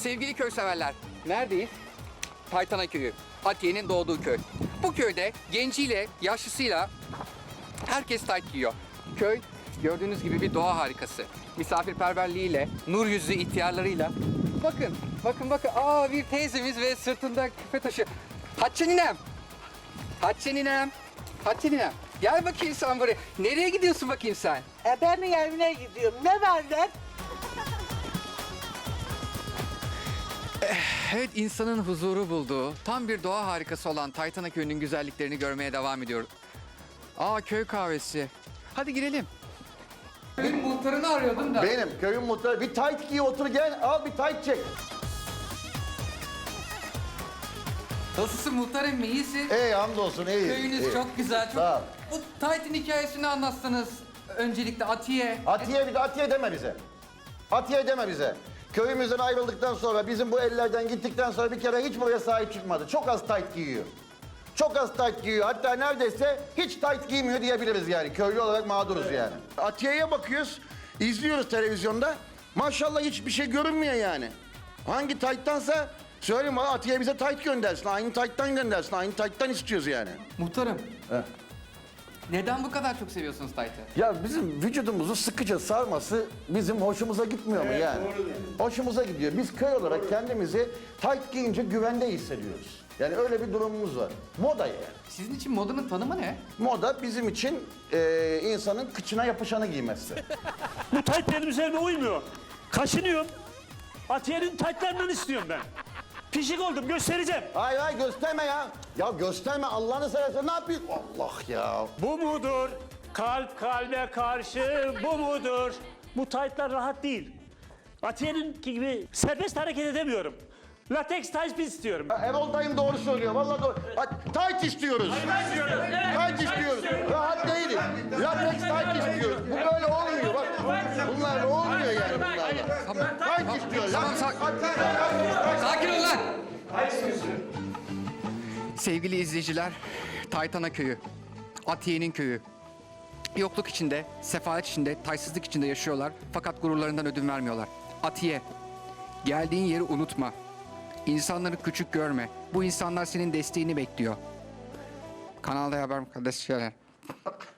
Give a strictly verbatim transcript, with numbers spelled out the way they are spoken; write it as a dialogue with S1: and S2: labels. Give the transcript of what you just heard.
S1: Sevgili köy severler, neredeyiz? Taytana Köyü, Atiye'nin doğduğu köy. Bu köyde genciyle, yaşlısıyla herkes tayt giyiyor. Köy gördüğünüz gibi bir doğa harikası. Misafirperverliğiyle, nur yüzlü ihtiyarlarıyla. Bakın, bakın, bakın. Aa, bir teyzemiz ve sırtında küpe taşı. Hatice ninem. Hatice ninem. Hatice ninem. Gel bakayım sen buraya. Nereye gidiyorsun bakayım sen?
S2: E ben mi evine gidiyorum? Ne var lan?
S1: Evet, insanın huzuru bulduğu, tam bir doğa harikası olan Taytana Köyü'nün güzelliklerini görmeye devam ediyoruz. Aa, köy kahvesi. Hadi girelim. Köyün muhtarını arıyordum da.
S3: Benim köyün muhtarı. Bir tayt giy otur gel al bir tayt çek.
S1: Nasılsın muhtarım, iyisin?
S3: İyi hamdolsun iyi.
S1: Köyünüz
S3: iyi.
S1: çok güzel. Çok...
S3: Sağ ol.
S1: Bu Tayt'in hikayesini anlatsanız öncelikle Atiye.
S3: Atiye bir de Atiye deme bize. Atiye deme bize. Köyümüzden ayrıldıktan sonra bizim bu ellerden gittikten sonra bir kere hiç buraya sahip çıkmadı. Çok az tayt giyiyor. Çok az tayt giyiyor. Hatta neredeyse hiç tayt giymiyor diyebiliriz yani. Köylü olarak mağduruz yani. Atiye'ye bakıyoruz, izliyoruz televizyonda. Maşallah hiçbir şey görünmüyor yani. Hangi tayttansa söyleyeyim bana Atiye bize tayt göndersin. Aynı tayttan göndersin. Aynı tayttan istiyoruz yani.
S1: Muhtarım. Neden bu kadar çok seviyorsunuz Tayt'ı?
S3: Ya bizim vücudumuzu sıkıca sarması bizim hoşumuza gitmiyor mu yani? Hoşumuza gidiyor. Biz köy olarak kendimizi tayt giyince güvende hissediyoruz. Yani öyle bir durumumuz var. Moda yani.
S1: Sizin için modanın tanımı ne?
S3: Moda bizim için e, insanın kıçına yapışanı giymesi.
S4: Bu tayt benim üzerime uymuyor. Kaşınıyorum. Atiye'nin taytlarından istiyorum ben. Pişik oldum, göstereceğim.
S3: Hayır hayır gösterme ya. Ya gösterme Allah'ını seversen ne yapıyorsun? Allah ya.
S4: Bu mudur? Kalp kalbe karşı bu mudur? Bu taytlar rahat değil. Atiye'nin gibi serbest hareket edemiyorum. Lateks tayt istiyorum.
S3: Erol dayım doğru söylüyor. Vallahi doğru. Ha, tayt istiyoruz. Tayt istiyoruz. Rahat değiliz. Lateks tayt istiyoruz. Bu böyle olmuyor. Bak bunlar olmuyor yani bunlarla. Tayt istiyoruz.
S1: Tamam, sak- Sakin ol lan! Sevgili izleyiciler, Taytana Köyü, Atiye'nin köyü. Yokluk içinde, sefalet içinde, taysızlık içinde yaşıyorlar. Fakat gururlarından ödün vermiyorlar. Atiye, geldiğin yeri unutma. İnsanları küçük görme. Bu insanlar senin desteğini bekliyor. Kanalda haber kardeşler.